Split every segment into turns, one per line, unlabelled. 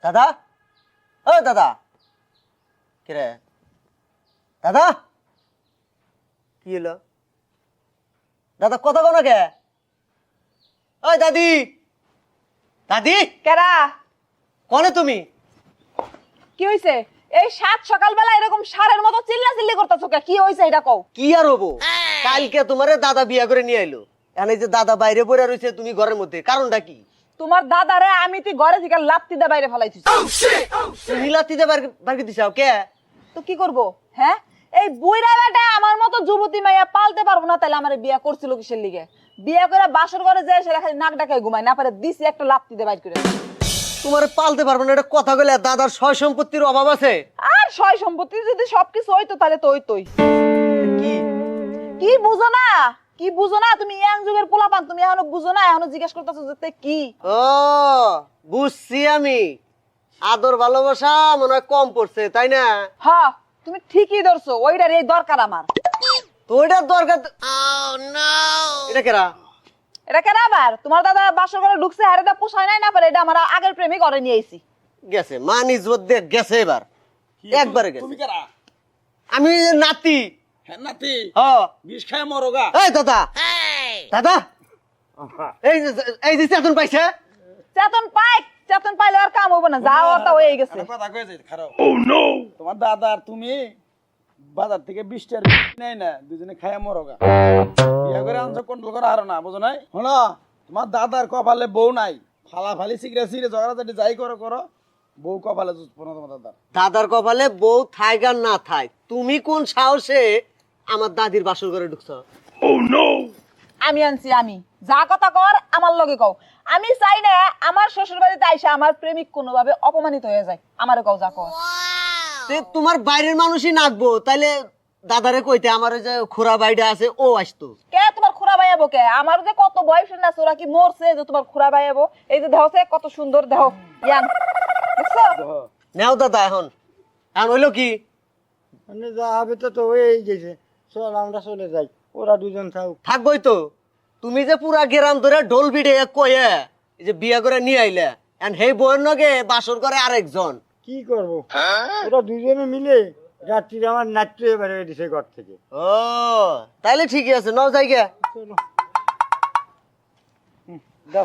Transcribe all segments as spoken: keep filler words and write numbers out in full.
দাদা, ও দাদা, কি রে দাদা? কি হলো দাদা? কথা কো না কে? ওই দাদি, দাদি
কেরা?
কনে তুমি?
কি হইছে? এই সাত সকালবেলা এরকম সারের মতো চিল্লা চিল্লি করতেছো কে? কি হইছে এটা কও।
কি আর হবো, কালকে তোমারে দাদা বিয়া করে নিয়ে আইলো, এখন এই যে দাদা বাইরে পড়ে রয়েছে তুমি ঘরের মধ্যে, কারণটা কি?
তোমার দাদারে আমি তুই ঘরে থেকে লাত্তি দে বাইরে ফেলাইছিস।
তুমি লাত্তিতে বাড়ি দিছাও কে?
তো কি করব? হ্যাঁ, এই বুইরা বেটা আমার মতো যুবতী মাইয়া পালতে পারবো না, তাহলে আমারে বিয়া করছিল কিসের লিগে? বিয়া করে বাসর ঘরে যায় সেটা খালি নাক ডাকায় ঘুমায়, না পারে দিছি একটা লাত্তি দে বাইর করে।
তোমারে পালতে পারবো না এটা কথা বলে, দাদার সয় সম্পত্তির অভাব আছে।
আর সয় সম্পত্তি যদি সবকিছু হইতো তাহলে তো হইতোই।
কি
কি বুঝো না? কি বুঝো না? তুমি ইয়াং যুগের পোলাপান, তুমি এখনো বুঝো না? এখনো জিজ্ঞেস করতেছো যে কি?
ও বুঝছি আমি, আদর ভালোবাসা মনে হয় কম পড়ছে তাই না?
হ্যাঁ, তুমি ঠিকই ধরছো, ওইটার এই দরকার আমার।
তো ওইটার দরকার। এটা কেরা?
এটা কেন আবার? তোমার দাদা বাসর ঘরে ঢুকছে, হারে দা পোষায় নাই, না পারে এটা আমার আগের প্রেমিক ঘরে নিয়ে আইছি।
গেছে মান ইজ্জত দিয়ে গেছে, এবার একবারে গেছে।
তুমি কারা?
আমি নাতি।
হ্যাঁ নাতি,
হ্যাঁ
বিষ খায় মরগা।
এই দাদা, দাদা এই যে- এই যে চেতন পাইছে।
চেতন পাই, চেতন পাইলে আর কাম হইব না, যাও তা হয়ে গেছে।
একটা কথা কয়ে যাই, খারাপ। তোমার দাদা আর তুমি বাজার থেকে বিশটার নেই না, দুজনে খায় মরগা। বিয়া করে আনছো কন্ট্রোল করা হারো না, বুঝো নাই? শোনো, তোমার দাদার কপালে বউ নাই, ফালা ফালি সিগরে সিগরে ঝগড়াঝাটি যাই করো করো, বউ কপালে জুটবো না তোমার দাদার।
দাদার কপালে বউ থাইক আর না থাই, তুমি কোন সাহসে আমার দাদির বাসর ঘরে ঢুকছো?
আমি আনছি, আমি যা কথা কর আমার লগে কও। আমি চাই না আমার শ্বশুর বাড়িতে আইসা আমার প্রেমিক কোনোভাবে অপমানিত হয়ে যায়, আমারে কও যা কও।
তে তোমার বাইরের মানুষই নাকবো, তাইলে দাদারে কইতে আমার ওই যে খোরা বাইডা আছে ও আসতো।
কে তোমার খুড়া ভাইয়াবো? কে আমার যে কত বয়ফ্রেন্ড আছে, ওরা কি মরছে যে তোমার খুড়া ভাইয়াবো? এই যে দেহছে কত সুন্দর দেহ, ইয়াং, দেখছো?
নেও দাদা, এখন এখন হইলো কি?
মানে যা হবে তো তো হয়েই গেছে, চল আমরা চলে যাই, ওরা দুজন থাক।
থাকবোই তো। তুমি যে পুরা গেরাম ধরে ঢোল বিড়ে কয়ে এই যে বিয়া করে নিয়ে আইলে, এন্ড হেই বউয়ের নগে বাসর করে আরেকজন।
কি করবো, ওরা দুজনে মিলে রাত্রিরে আমার নাচতে বেড়ে দিছে ঘর থেকে।
ও তাইলে ঠিকই আছে, নাও যাই গে।
চলো হুম, দাও।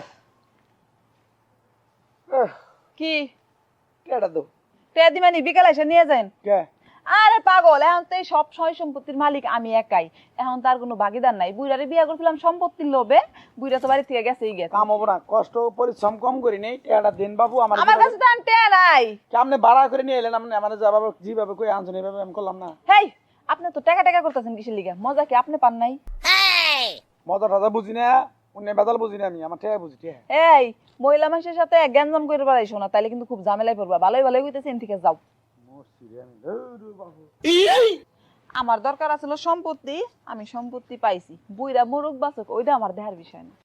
আহ,
কি
কেডা দাও?
তে দিমানি বিকালে এসে নিয়ে যান।
কে?
আরে পাগল, এখন তো এই সব সয় সম্পত্তির মালিক আমি একাই, এখন তার কোনো ভাগিদার নাই। বুইরারে বিয়া করছিলাম সম্পত্তির লোভে, বুইরা তো বাড়ি থেকে গেছেই গেছে।
কাম হবো না, কষ্ট পরিশ্রম কম করি নেই, টেয়াটা দিন বাবু আমার।
আমার কাছে তো আনতে নাই।
আপনি ভাড়া করে নিয়ে এলেন, আপনি আমার যাবো যেভাবে কই আনছেন এইভাবে আমি করলাম না।
হেই, আপনি তো টাকা টাকা করতেছেন কিসের লিগা? মজা কি আপনি পান নাই?
মজা টাজা বুঝি না, অন্য বেদাল বুঝি না, আমি আমার টেয়া বুঝি টেয়া।
এই মহিলা মানুষের সাথে গ্যাঞ্জাম করে বেড়াইছো না, তাইলে কিন্তু খুব ঝামেলায় পড়বা। ভালোই ভালোই কইতেছেন, ঠিক আছে যাও। আমার দরকার আছিল সম্পত্তি, আমি সম্পত্তি পাইছি। বুইরা মোরগ বাচক ওইটা আমার দেহার বিষয় না।